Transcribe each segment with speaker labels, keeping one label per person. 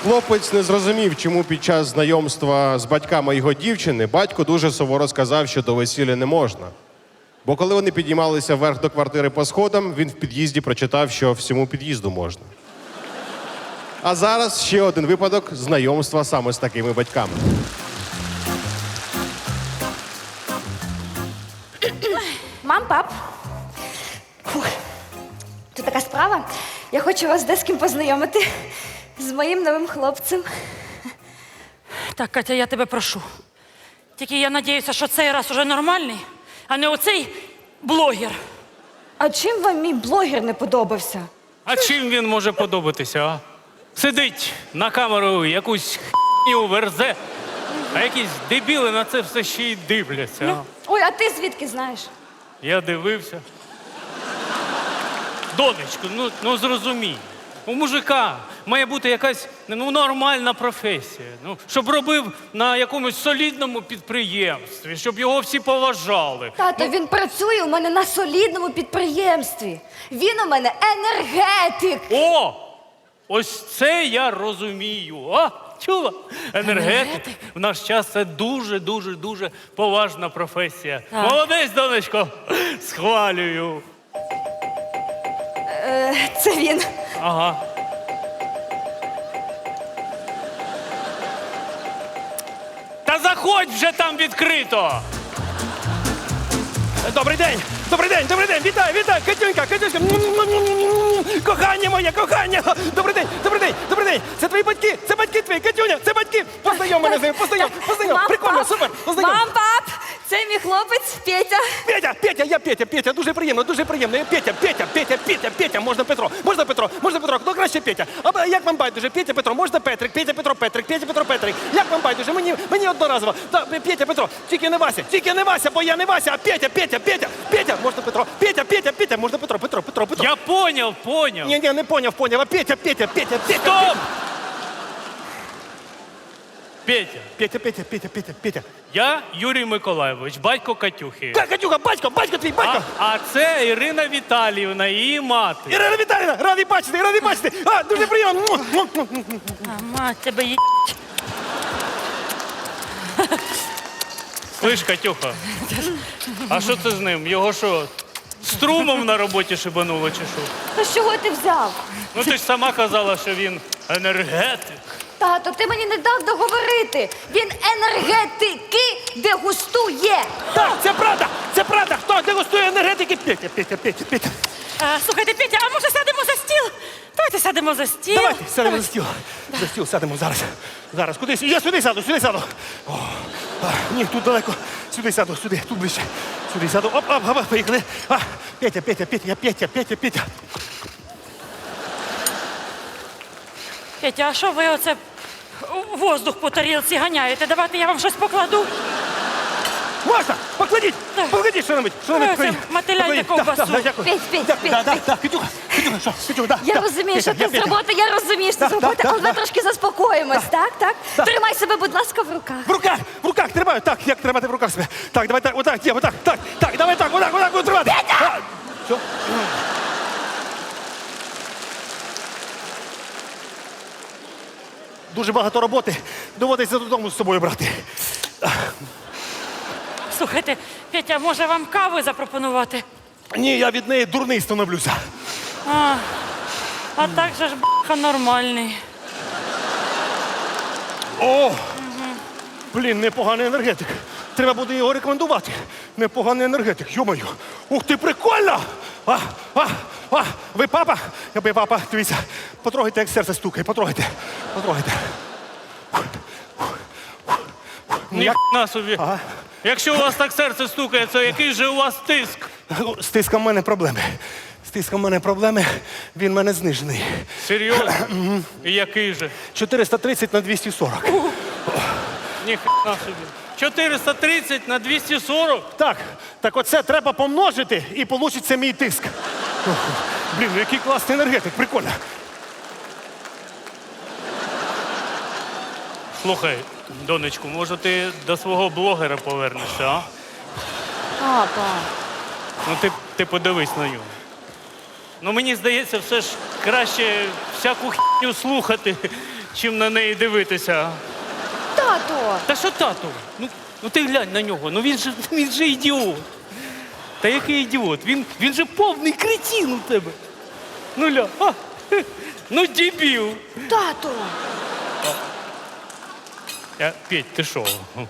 Speaker 1: Хлопець не зрозумів, чому під час знайомства з батьками його дівчини батько дуже суворо сказав, що до весілля не можна. Бо коли вони піднімалися вверх до квартири по сходам, він в під'їзді прочитав, що всьому під'їзду можна. А зараз ще один випадок знайомства саме з такими батьками.
Speaker 2: Мам, пап. Фух. Тут така справа. Я хочу вас з ким познайомити. З моїм новим хлопцем.
Speaker 3: Так, Катя, я тебе прошу. Тільки я надіюся, що цей раз уже нормальний, а не оцей блогер.
Speaker 2: А чим вам мій блогер не подобався?
Speaker 4: А чим він може подобатися, а? Сидить на камеру, якусь х'ню верзе, а якісь дебіли на це все ще й дивляться. А?
Speaker 2: Ой, а ти звідки знаєш?
Speaker 4: Я дивився. Донечко, ну зрозумій. У мужика має бути якась нормальна професія. Щоб робив на якомусь солідному підприємстві, щоб його всі поважали.
Speaker 2: Тато, він працює у мене на солідному підприємстві. Він у мене енергетик.
Speaker 4: О! Ось це я розумію. А? Чула? Енергетик в наш час це дуже поважна професія.
Speaker 3: Так.
Speaker 4: Молодець, донечко, схвалюю.
Speaker 2: Це він.
Speaker 4: Ага. Та заходь вже там відкрито.
Speaker 5: Добрий день! Добрий день! Добрий день! Вітаю! Вітаю! Катюнька! Катюнька! Кохання моє! Кохання! Добрий день! Добрий день! Добрий день! Це твої батьки! Це батьки твої! Катюня! Це батьки! Познайом мене з ними! Познайом!
Speaker 2: Мам,
Speaker 5: Прикольно!
Speaker 2: пап!
Speaker 5: Супер! Познайом!
Speaker 2: Мам, пап! Це мій хлопець Петя.
Speaker 5: Петя! Петя! Я Петя! Петя! Дуже приємно! Дуже приємно! Я Петя! Петя! Петя! Петя! Петя! Можна Петро! Можна Петро! Можна Петро! Хто краще Петя? А як вам байдуже? Петя Петро! Можна Петрик! Петя Петро! Петрик! Петя Петро! Петрик! Як вам байдуже? Мені одноразово! Петя Петро! Тільки не Вася! Тільки не Вася, бо я не Вася, а Петя! Петя! Петя! Петя! Можна Петро! Петя! Можна Петро! Петро!
Speaker 4: Я поняв.
Speaker 5: Ні, не поняв, а Петя!
Speaker 4: Стоп!
Speaker 5: Петя.
Speaker 4: Я Юрій Миколайович, батько Катюхи.
Speaker 5: Катюха, батько твій, батько!
Speaker 4: А це Ірина Віталіївна, її мати.
Speaker 5: Ірина Віталіївна, радий бачити! А, дуже приємно!
Speaker 3: А мать тебе є.
Speaker 4: Слиш, Катюха, а що це з ним? Його що, струмом на роботі шибануло чи що?
Speaker 2: То з чого ти взяв?
Speaker 4: Ну ти ж сама казала, що він енергетик.
Speaker 2: Тато, ти мені не дав договорити. Він енергетики дегустує.
Speaker 5: Так, це правда! Хто дегустує енергетики? Петя.
Speaker 3: Слухайте, Петя, а може сядемо за стіл? Давайте сядемо за стіл.
Speaker 5: Давайте, сядемо за стіл. За стіл сядемо зараз. Кудись? Я сюди сяду. О, ні, тут далеко. Сюди сяду, тут ближче. Сюди сяду. Оп, поїхали. Петя.
Speaker 3: Петя, а що ви оце воздух по тарілці ганяєте? Давайте я вам щось покладу.
Speaker 5: Можна? Покладіть, що-небудь.
Speaker 3: Це мотиляйте ковбасу.
Speaker 5: Дякую.
Speaker 2: Петь.
Speaker 5: Петюха, що?
Speaker 2: Я розумію, що ти з роботи, я розумію, що ти з роботи, але ми трошки заспокоїмось, так? Тримай себе, будь ласка, в руках.
Speaker 5: В руках тримаю, так, як тримати в руках себе. Так, давай так, отак, давай так, отак буду тримати. Петя! Що? Дуже багато роботи, доводиться додому з собою брати.
Speaker 3: Слухайте, Петя, може вам кави запропонувати?
Speaker 5: Ні, я від неї дурний становлюся.
Speaker 3: А так же ж б***ха нормальний.
Speaker 5: О! Блін, непоганий енергетик. Треба буде його рекомендувати. Непоганий енергетик, йо-моє. Ух ти, прикольно! Ви папа? Ви папа, дивіться. Потрогайте, як серце стукає, потрогайте.
Speaker 4: Ніхна собі.
Speaker 5: Ага.
Speaker 4: Якщо у вас так серце стукає, то який же у вас тиск?
Speaker 5: З тиском в мене проблеми. Він в мене знижений.
Speaker 4: Серйозно? І який же?
Speaker 5: 430 на 240.
Speaker 4: Ніхна собі. 430 на 240?
Speaker 5: Так оце треба помножити і получиться мій тиск. Блін, який класний енергетик, прикольно.
Speaker 4: Слухай, донечку, може ти до свого блогера повернешся, а?
Speaker 2: Папа.
Speaker 4: Ну ти подивись на нього. Ну мені здається, все ж краще всяку хіню слухати, чим на неї дивитися.
Speaker 2: Тато!
Speaker 4: Та що тату? Ну ти глянь на нього, ну він же ідіот. Та який ідіот? Він же повний кретин у тебе. Ну ля, ну дебіл.
Speaker 2: Тато!
Speaker 4: Петь, ти що?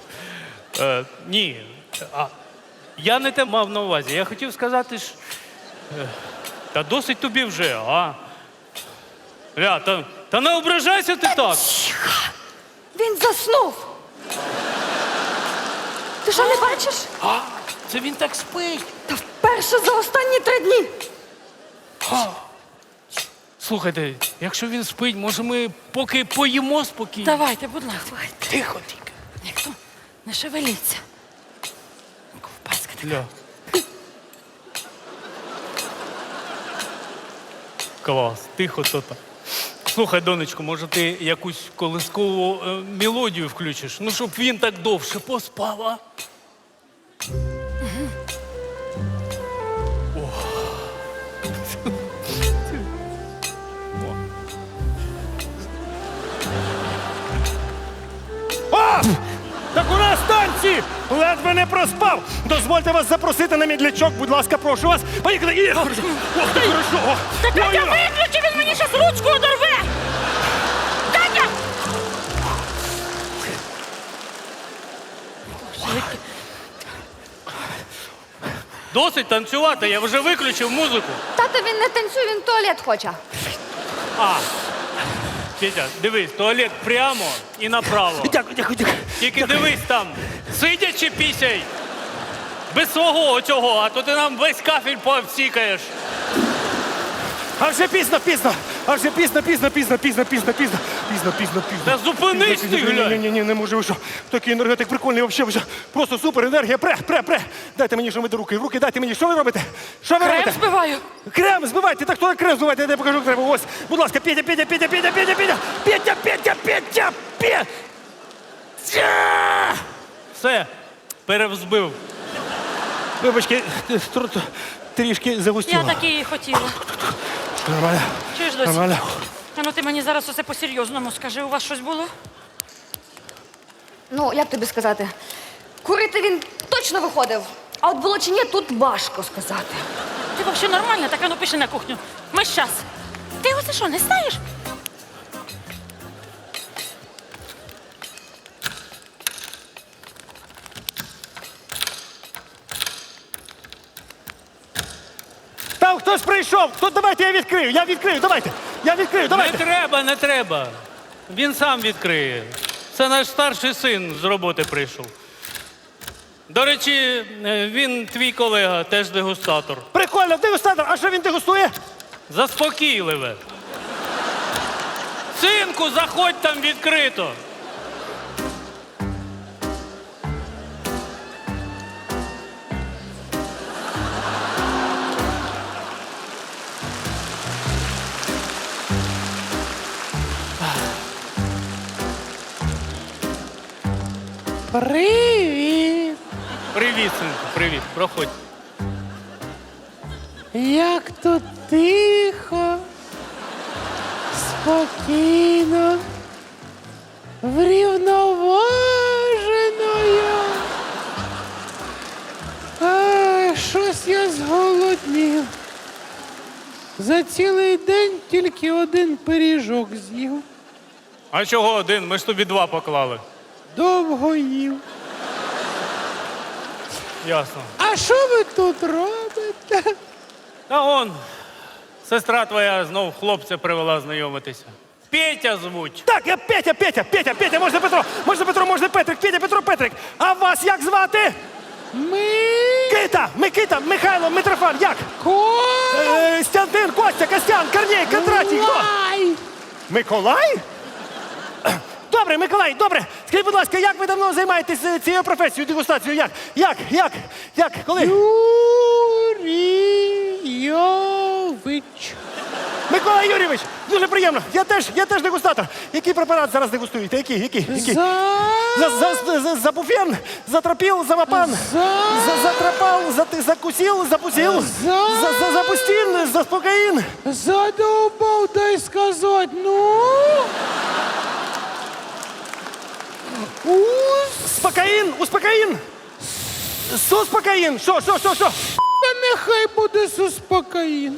Speaker 4: Ні. Я не те мав на увазі. Я хотів сказати, що... Та досить тобі вже, а? Ля, та не ображайся ти так.
Speaker 2: Він заснув! Ти що, не бачиш?
Speaker 4: Це він так спить.
Speaker 2: Та вперше за останні 3 дні!
Speaker 4: Слухайте, якщо він спить, може ми поки поїмо спокійно?
Speaker 3: Давайте, будь ласка.
Speaker 4: Тихо, тільки.
Speaker 3: Ніхто не шевеліться. Ковбаска така.
Speaker 4: Ля. Клас, тихо то так. Слухай, донечко, може ти якусь колискову мелодію включиш? Ну, щоб він так довше поспав, а?
Speaker 5: Так у нас танці! Ледве не проспав! Дозвольте вас запросити на мідлячок, будь ласка, прошу вас. Поїхали! І... Ох, ти хорошо!
Speaker 3: Та Катя, виключи, він мені щас ручку одорве! Катя!
Speaker 4: Досить танцювати, я вже виключив музику.
Speaker 2: Тато, він не танцює, він в туалет хоче.
Speaker 4: Петя, дивись, туалет прямо і направо.
Speaker 5: Дякую, дякую, дякую.
Speaker 4: Тільки дивись там, сидячи пісяй. Без свого оцього, а то ти нам весь кафель повсікаєш.
Speaker 5: А вже пізно. А вже пізно.
Speaker 4: Та зупинись ти, глянь.
Speaker 5: Ні, не можу, ви що. Такий енергетик прикольний, взагалі, просто супер, енергія, пре. Дайте мені, що ви до руки, в руки дайте мені, що ви робите? Що ви
Speaker 3: Крем
Speaker 5: робите?
Speaker 3: збиваю.
Speaker 5: Крем збивайте, так хто крем збивайте, я тебе покажу, як треба. Ось, будь ласка, Петя.
Speaker 4: Все, перевзбив.
Speaker 5: Вибачки, трішки загустіло.
Speaker 3: Я таки і хотіла.
Speaker 5: Нормально.
Speaker 3: Чуєш, досі?
Speaker 5: Нормально.
Speaker 3: А ну ти мені зараз усе по-серйозному скажи, у вас щось було?
Speaker 2: Ну, як тобі сказати? Курити він точно виходив. А от було чи ні, тут важко сказати.
Speaker 3: Ти взагалі нормальна? Так, а ну пиши на кухню. Ми щас. Ти оце що, не знаєш?
Speaker 5: Там хтось прийшов. Давайте я відкрию, давайте.
Speaker 4: Не треба. Він сам відкриє. Це наш старший син з роботи прийшов. До речі, він твій колега, теж дегустатор.
Speaker 5: Прикольно, дегустатор. А що він дегустує?
Speaker 4: Заспокійливе. Синку, заходь там відкрито.
Speaker 6: Привіт!
Speaker 4: Привіт, синку, привіт. Проходь.
Speaker 6: Як тут тихо, спокійно, врівноваженою. Щось я зголоднів. За цілий день тільки один пиріжок з'їв.
Speaker 4: А чого один? Ми ж тобі 2 поклали.
Speaker 6: Довго їв.
Speaker 4: Ясно.
Speaker 6: А що ви тут робите?
Speaker 4: Та он, сестра твоя знов хлопця привела знайомитися. Петя звуть.
Speaker 5: Так, я Петя, можна Петро, можна Петрик, Петро, Петрик. А вас як звати? Микита, Михайло, Митрофан, як? Стянтин, Костя, Костян, Корній, Кондратій, хто? Миколай? Добре, Миколай, добре. Скажіть, будь ласка, як ви давно займаєтесь цією професією, дегустацією? Як? Коли?
Speaker 6: Юрійович.
Speaker 5: Микола Юрійович, дуже приємно. Я теж дегустатор. Який препарат зараз дегустуєте? Який? Забуфен, затропил, завапан, затрапал, закусил, запустил, запустил, заспокоїн.
Speaker 6: Задовбав, дай сказати, ну?
Speaker 5: Успокоїн, успокоїн. Суспокоїн. Що?
Speaker 6: Та нехай буде суспокоїн.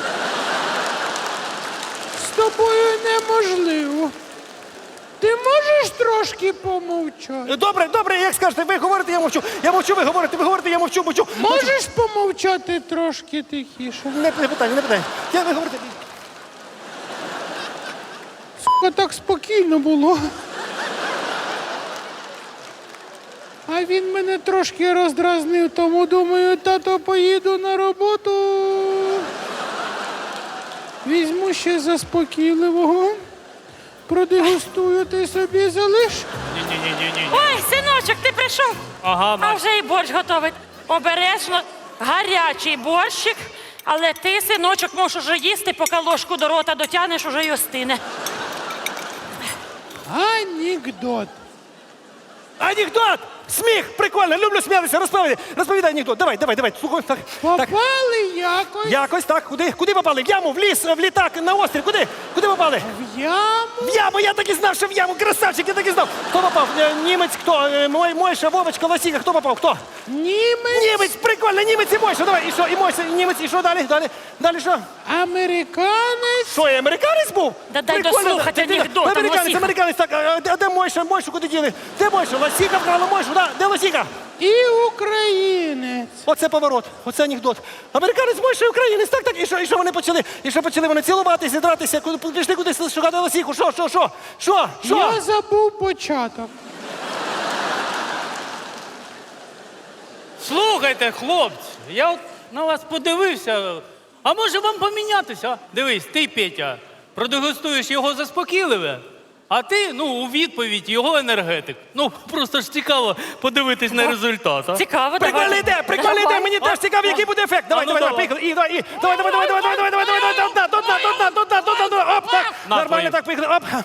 Speaker 6: З тобою неможливо. Ти можеш трошки помовчати?
Speaker 5: Добре, як скажете, ви говорите, я мовчу. Я мовчу, ви говорите, я мовчу.
Speaker 6: Можеш помовчати трошки тихіше?
Speaker 5: Не питання. Ви говорите.
Speaker 6: Сука, так спокійно було. А він мене трошки роздразнив, тому думаю, тато, поїду на роботу. Візьму ще заспокійливого. Продегустую, ти собі залиш.
Speaker 4: Ні.
Speaker 3: Ой, синочок, ти прийшов?
Speaker 4: Ага,
Speaker 3: А
Speaker 4: бач.
Speaker 3: вже і борщ готовий. Обережно, гарячий борщик, але ти, синочок, можеш уже їсти, поки ложку до рота дотягнеш, уже й остине.
Speaker 6: Анекдот.
Speaker 5: Анекдот! Сміх! Прикольно, люблю сміятися, розповідай анекдот. Давай. Слухай, так.
Speaker 6: Попали якось
Speaker 5: Якось так. Куди попали? В яму, в ліс, в літак, на острів. Куди попали?
Speaker 6: в яму.
Speaker 5: В яму, я так і знав, що в яму. Красавчик, я так і знав. Хто попав? Німець, хто? Мойша, Вовочка, Лосіка, хто попав? Хто?
Speaker 6: Німець.
Speaker 5: Німець, прикольно, німець і Мойша. Давай, і що? І Мойша, і німець, і що далі? Далі що?
Speaker 6: Американець.
Speaker 5: Що, і американець був?
Speaker 3: Да дай
Speaker 5: Прикольно,
Speaker 3: дослухати анекдот, там Лосіка.
Speaker 5: Американець, так, а де Мойша? Мойшу куди діли? Де Мойша? Лосіка вкрала Мойшу, да? Де Лосіка?
Speaker 6: І українець.
Speaker 5: Оце поворот, оце анекдот. Американець Мойша і українець, так. І що вони почали? І що почали вони цілуватися, дратися? Пішли кудись шукати Лосіку? Що?
Speaker 6: Я забув початок.
Speaker 4: Слухайте, хлопці, я от на вас подивився. А може вам помінятися? А? Дивись, ти, Петя, продегустуєш його заспокійливе, а ти, у відповідь його енергетик. Просто ж цікаво подивитись на результат. А?
Speaker 3: Цікаво,
Speaker 5: Прикольна
Speaker 3: давай.
Speaker 5: ідея, прикольна ідея, мені теж цікаво, який буде ефект. Давай, поїхали. Давай, до дна. Оп, так,
Speaker 4: На,
Speaker 5: нормально,
Speaker 4: твої.
Speaker 5: так, поїхали, оп.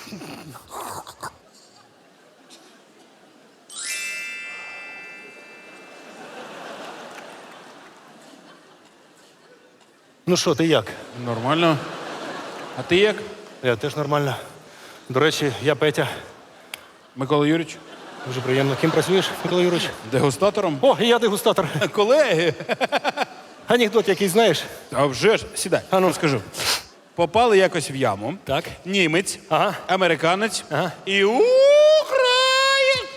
Speaker 5: Ну що, ти як?
Speaker 7: Нормально. А ти як,
Speaker 5: Я теж нормально. До речі, я Петя.
Speaker 7: Микола Юрійович?
Speaker 5: Дуже приємно. Ким працюєш, Микола Юрійович?
Speaker 7: Дегустатором?
Speaker 5: О, і я дегустатор.
Speaker 7: Колеги.
Speaker 5: Анекдот який знаєш?
Speaker 7: А вже ж, сідай, скажу. Попали якось в яму.
Speaker 5: Так.
Speaker 7: Німець,
Speaker 5: Ага.
Speaker 7: американець
Speaker 5: Ага.
Speaker 7: і українець.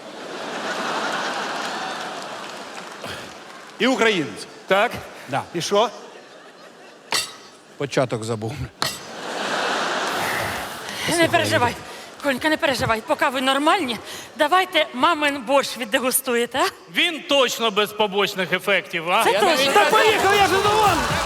Speaker 7: І українець.
Speaker 5: Так.
Speaker 7: Да.
Speaker 5: І що?
Speaker 7: Початок забув.
Speaker 3: Не переживай, Конька, не переживай. Поки ви нормальні, давайте мамин борщ віддегустуєте, а?
Speaker 4: Він точно без побочних ефектів, а?
Speaker 3: Це точно.
Speaker 5: Так поїхали, я ж задоволений.